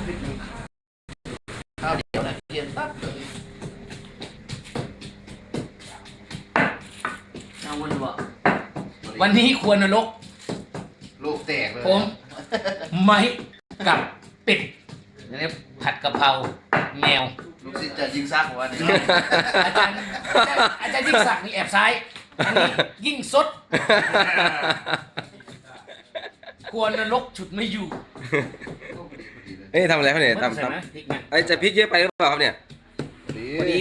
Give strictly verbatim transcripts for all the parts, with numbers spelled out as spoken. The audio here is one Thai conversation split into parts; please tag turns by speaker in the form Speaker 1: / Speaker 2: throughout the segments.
Speaker 1: ข้าวเดียวนะเทียนปั๊บเอาวันวะวันนี้ควรนรกลูกแตกเลยผมไม้กับเป็ดนี่ผัดกะเพราแมวลูกศิษย์จะยิงซักวะเนี่ยอาจารย์อาจารย์ยิ่งศักดิ์นี่แอบซ้ายอันนี้ยิ่งซดควรนรกฉุดไม่อยู่
Speaker 2: เอ้ยทำอะไรเขาเนี่ยทำทำไอ้จะพริกเยอะไปหรือเปล่าครับเนี่ย
Speaker 1: พอดี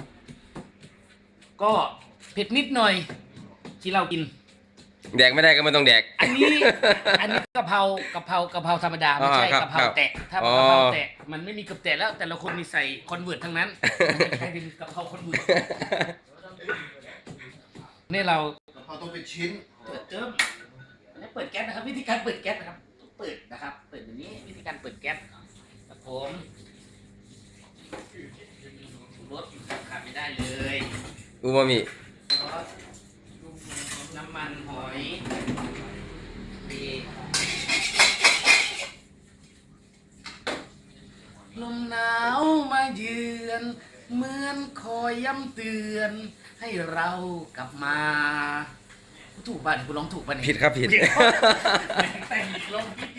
Speaker 1: ก็เผ็ดนิดหน่อยที่เรากิน
Speaker 2: แดกไม่ได้ก็ไม่ต้องแดก
Speaker 1: อันนี้อันนี้กะเพรากะเพรากะเพราธรรมดาไม่ใช่กะเพราแตะถ้ากะเพราแตะมันไม่มีกับแตะแล้วแต่ละคนมีใส่คอนเวิร์ตทั้งนั้นใครเป็นกะเพราคอนเวิร์ตนี่เรากะเพราต้องเป็นชิ้นเปิดเจิ้มนี่เปิดแก๊สนะครับวิธีการเปิดแก๊สนะครับเปิดนะครับเปิดอย่างนี้วิธีการเปิดแก๊สครับผมรสขาดไม่ได้เลย
Speaker 2: อูมามิ
Speaker 1: น้ำมันหอยลมหนาวมาเยือนเหมือนคอยย้ำเตือนให้เรากลับมาถูกป่ะเนี่ยคุณร้องถูกป่ะเนี่ย
Speaker 2: ผิดครับผิด
Speaker 1: แต่งร้องผิด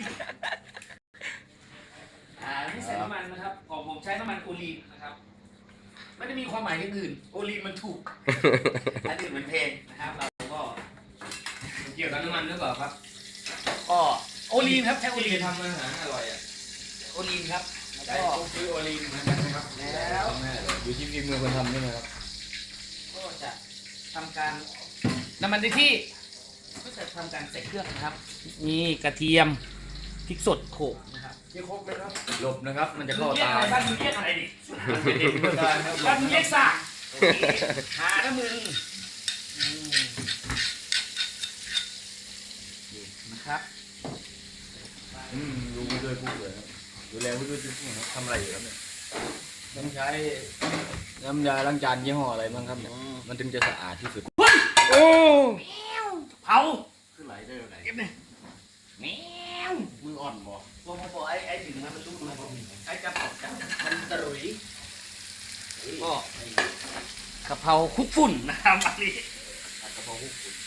Speaker 1: อ่านี่ใส่น้ำมันนะครับของผมใช้น้ำมันโอลีฟนะครับไม่ได้มีความหมายอย่างอื่นโอลีฟมันถูกอันอื่นมันแพงนะครับเราก็เกี่ยวกับน้ำมันหรือเปล่าครับก็โอลีนครับใช้โอลีน
Speaker 3: ทำอาหารอร่อยอ่ะ
Speaker 1: โอลีนครับ
Speaker 3: แล้วก็ซื้อโอลีนเหมือนกันนะครับแล้วอยู่ที่ฝีมือคนทำนี่นะครับ
Speaker 1: ก็จะทำการน้ำมันที่ก็จะทำการใส่เครื่องนะครับมีกระเทียมพริกสดโขลกนะครับ
Speaker 3: เรียกครบไหมครับหลบนะครับมันจะเข้าตา
Speaker 1: บ้านมึงเรียกอะไรดิบ้านมึงเรียกซ่าหาแล้วมึงนะครับ
Speaker 3: อืมดูไปด้วยพูดเลยครับดูแลไปด้วยพูดครับทำอะไรอยู่ครับเนี่ยต้องใช้น้ำยาล้างจานยี่ห้ออะไรบ้างครับเนี่ยมันถึงจะสะอาดที่สุด
Speaker 2: โอ้
Speaker 1: เผา
Speaker 3: ขึ้นไหลได้ไหน
Speaker 1: เก็บเนี่ยแมวมืออ่อนบ่พอพอไอ้ไอ้ถึงมันมันรู้มันไอ้จับจับมันตรุยก็กะเพราคุกฝุ่นนะครับอันนี้กะเพราคุกฝุ่น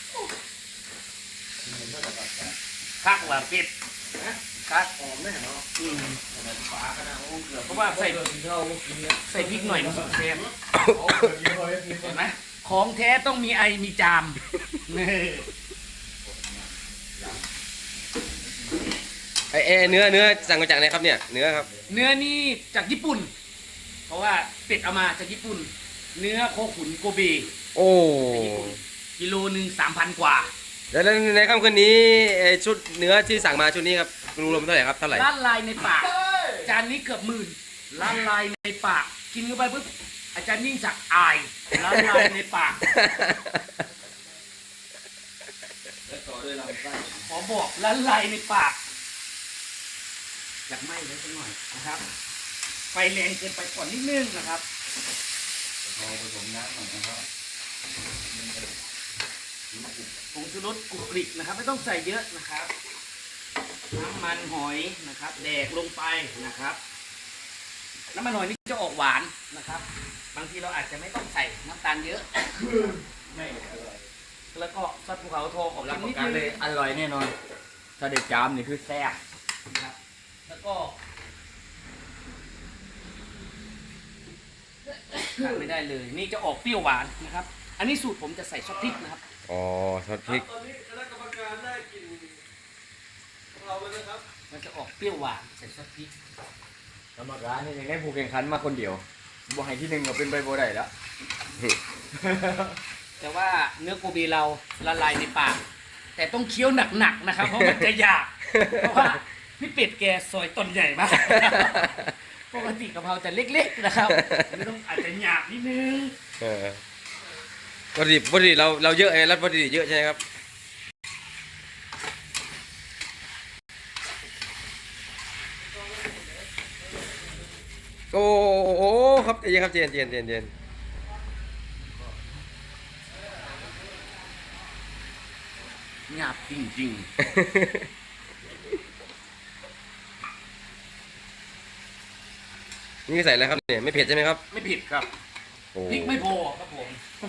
Speaker 1: คักว่าเป็ดคักหอมแน่เนาะอืมฝาขนาดโอ้เกือบเพราะว่าใส่ใส่พริกหน่อยมันสุดแซ่บเห็นไหมของแท้ต้องมีไอมีจาม
Speaker 2: ไอเอเนื้อเนื้อสั่งมาจากไหนครับเนี่ยเนื้อครับ
Speaker 1: เนื้อนี่จากญี่ปุ่นเพราะว่าเป็ดเอามาจากญี่ปุ่นเนื้อโคขุนโกเบ
Speaker 2: โอ้
Speaker 1: กิโลหนึ่งสามพันกว่า
Speaker 2: แล้วในค่ำคืนนี้ชุดเนื้อที่สั่งมาชุดนี้ครับรวมเท่าไหร่ครับเท่าไหร่
Speaker 1: ล้านลายในปากจานนี้เกือบหมื่นล้านลายในปากกินเข้าไปปุ๊บอาจารย์ยิ่งศักดิ์อายล้านลายในปากขอบอกล้านลายในปากอยากไหม้ไว้สักหน่อยนะครับไฟแรงเกินไปก่อนนิดนึงนะครับ
Speaker 3: พอผสมน้ำหน่อยนะครับ
Speaker 1: ผงชูรสกุกริกนะครับไม่ต้องใส่เยอะนะครับน้ำมันหอยนะครับแดกลงไปนะครับน้ำมันหอยนี่จะออกหวานนะครับบางทีเราอาจจะไม่ต้องใส่น้ำตาลเยอะ
Speaker 3: ไม่อร่อย
Speaker 1: แล้วก็ซอสภูเขาทองของ
Speaker 3: รับประกันเลยอร่อยแน่นอนถ้าเด็ดจามนี่คือแซ่บ
Speaker 1: นะครับแล้วก็ขาดไม่ได้เลยนี่จะออกเปรี้ยวหวานนะครับอันนี้สูตรผมจะใส่ซอสพริกนะครับ
Speaker 2: อ๋อซอสพริก
Speaker 3: ตอนนี้คณะกรรมการได้กินเราแล้วนะครับ
Speaker 1: มันจะออกเปรี้ยวหวานใส่ซอสพริก
Speaker 3: กรรมการนี่ยังได้ผู้แข่งขันมาคนเดียวบอกให้ที่หนึ่งก็เป็นใบโบได้แล้ว
Speaker 1: แต่ว่าเนื้อโกเบเราละลายในปากแต่ต้องเคี้ยวหนักๆนะครับเพราะมันจะหยาบเพราะว่าพี่เป็ดแกซอยต้นใหญ่มากปกติกะเพราจะเล็กๆนะครับอันนี้ต้องอาจจะหยาบนิดนึง
Speaker 2: วัตถุดิบวัตถุดิบเราเราเยอะไงแล้ววัตถุดิบเยอะใช่ไหมครับโอ้โหครับเย็นครับเย็นเย็นเย็นเย็น
Speaker 1: หยาบจริงๆ
Speaker 2: นี่ใส่อะไรครับเนี่ยไม่เผ็ดใช่ไหมครับ
Speaker 1: ไม่ผิดครับ
Speaker 2: โอ้
Speaker 1: พริกไม่พอครับผม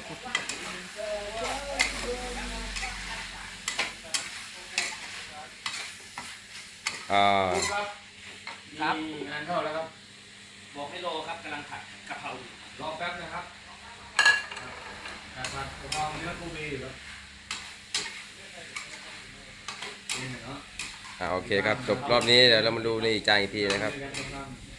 Speaker 2: อ่า
Speaker 3: ครับ
Speaker 1: ครับ
Speaker 3: มีงานเข้าแล้วครับ
Speaker 1: บอกให้รอครับกำลังผัดกะเพราอยู่
Speaker 3: รอแป๊บนะครับผัดกะเพราเนื้อกูบีอยู่ครับนี่เนาะ
Speaker 2: อ่าโอเคครับจบรอบนี้เดี๋ยวเรามาดูในอีกจานอีกทีนะครับ
Speaker 3: เจอกันครับ